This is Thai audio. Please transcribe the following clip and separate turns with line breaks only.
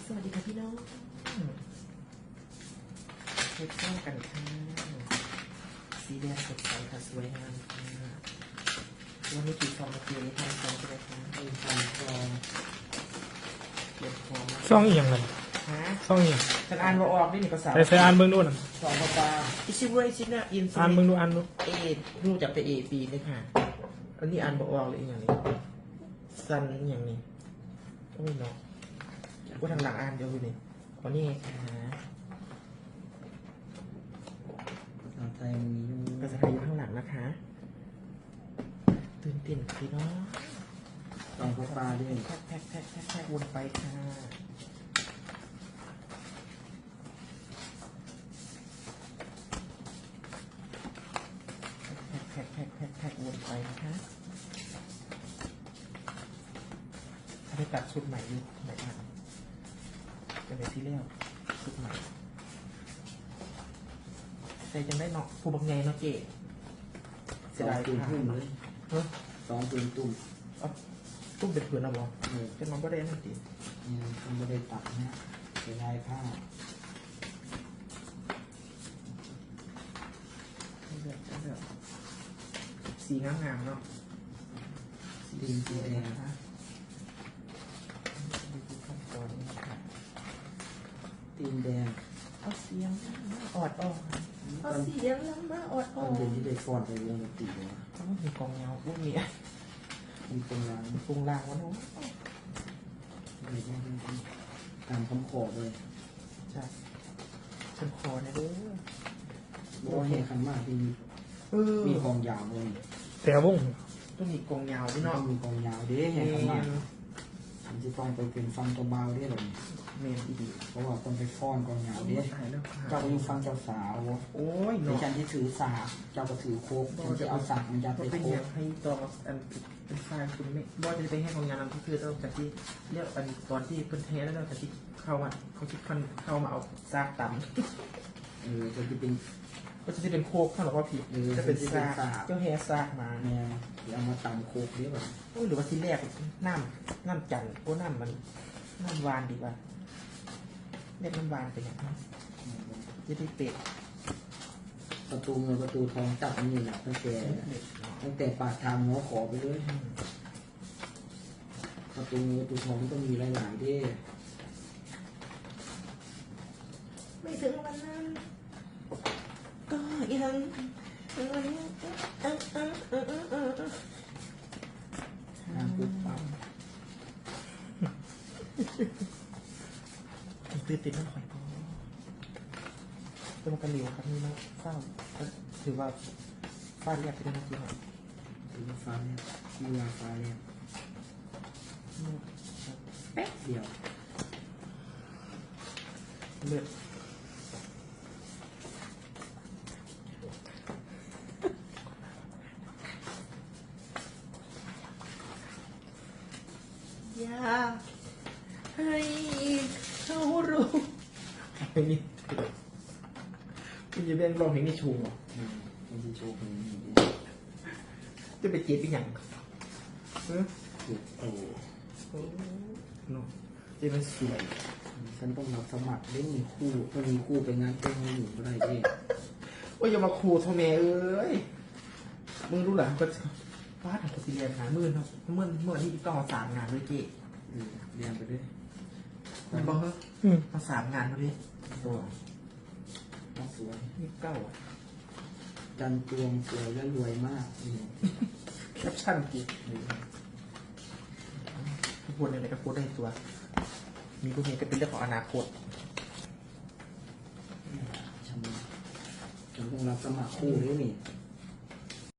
สวัสดีค่ะพี่น้องเช็คเข้ากันค่ะสีแดงสดใสค่ะสวยงามค่ะวันนี้กี่ซองเมื่อกี้นี้ทำซองใช่ไหมคะทำซองเก็บของ
ซ่องเอียงกัน
ฮะ
ซ่องเอียง
ฉันอ่านว่าออกนี่ภาษา
ใส่อ่านเบิ่งดูน่ะ
สองปลาอิชิเวยชินะอิน
อ่านเบิ่งดูอ่านดู
เอรู้จักแต่เอปีเลยค่ะอันนี้อ่านบอกออกเลยอย่างนี้ซันอย่างนี้ก็ไม่เนาะก็ทางหลังอ่านเดียวเลยเอานี่ไงคะ
ภาษาไทยมีอยู่
ภาษาไทยอยู่ข้างหลังนะคะตื่นเต้นพี่น้อง
ลองปลาด้วย
แพ็ควนไปค่ะแพ็ควนไปนะคะถ้าไปตัดชุดใหม่อยู่ไหนบ้างจะเป็นที่เลี้ยวชุดใหม่ใจจังได้เนาะผู้บังไงเนาะเจ๊
สองปืนทุ่มเลย
เฮ้ย
สองปืนตุ่ม
ตุ้มเป็นผืนนะบอ
เออ
เป็นมันก็ได้นั่นสิ
เนี่ยทำไม่ได้ตัดนะเป็นลายผ้า
เลือกสีงามๆเนาะ
ตีนสีแดง
นะคะดูขั้นตอนนี้ค่ะ
ตีนแดง
เอาเสียงมาออดออก
ต
เอา
อน
เสียงมาออดอ
ต
อ
อก นเย็นที่ได้ฟอนไปวงดนตรีเลย
เขามีกองเงาพวกนี้
มีตรงร้าน
ปรุงรางวะเนาะ
เลยตามคำขอเลย
จ้ะฉันขอนะเด้อ
บอกว่าเฮคันมากที่ มีกองยาวเลย
แต่วง
ต้องมีกองเงาด้วย
ต้อ
เนาะ
งมีกองยาวเด้เฮคันมากฉันจะต้องไปเป็นฟังตัวเบาได้เลย
เมนอีดี
เพราะว่าต้องไปฟ้อนกองยาวเด้
ตายแล้วค่ะ
เจ้าไปฟังเจ้าสาว
โอ้ย
ใน
เนาะ
ฉันที่ถือสากเจ้าก็ถือโคกฉันจะเอาสากมันยัด
มัน
ไป
เป็น
โค
อก ย่างให้ตอนอันเป็นไฟล์คุณไม่บอสจะไปให้ของงานนั้นก็คือต้องจากที่เรียกอันตอนที่เพิ่นเทแล้วเราจากที่เข้ามาเขาคิดพันเข้ามาเอาซากต่ำ
จะเป็น
ก็จะเป็นโคกข้างหลังว่าผิดจะเป็นซากเจ้าแฮซากมา
แนวที่เอามาตำโคกเรียกว่า
หรือว่าที่แรกน้ำจันทร์โอ้น้ำมันน้ำวานดีกว่าเรียกน้ำวานไปอย่างนั้นจะได้เป็ด
ประตูเงินประตูทองจับนี่แหละตั้งแต่ปากทางหัวขอไปเลยประตูเงินประตูทองต้องมีหลายๆเด้
ไม่ถึงวันนั้นก็ยัง
ทางปุ๊บปั๊บ
ตื่นเต้นมากข่อยก็เป็นกันเหลียวครับนี่นะเศร้าถือว่าฟาดเรียบไปได้นะจริงอ่ะ
ถึงฟ้าเนี่ยมีวาฟ้าเนี่ยแป๊บเดียว
เลือดอยากให้เขารู้เพลงนี้คุณจะเป็นร้องเพลงนี้ชูเหรอ
มันจะโชว์เพลงนี้
จะไปเจ็บเป็นอย่างเออ
ถูกโอ้
โอ้เนาะเจ็บมันสวย
ฉันต้องรับสมัครเล่นมีคู่ต้องมีคู่ไปงานเต้นให้หนูก็ได้เด้
โอ้ยอย่ามาขู่โทเมเอ้ยมึงรู้เหรอก็ฟาดของสิเรียนหามื่นครับเมื่อที่ต้องเอา3 งานด้วยเจ๊
เรียนไปด้วย
มันบอกเฮ้ยเอา3 งานมาดิตัว
สวย
นี่เก้าอ่ะ
จันตวงสวยและรวยมากนี่
แคปชั่นกี่พูดอะไรก็พูดได้ตัว มีพวกนี้ก็เป็นเรื่องของอนาคต
ฉันต้องรับสมัครคู่ด้วยนี่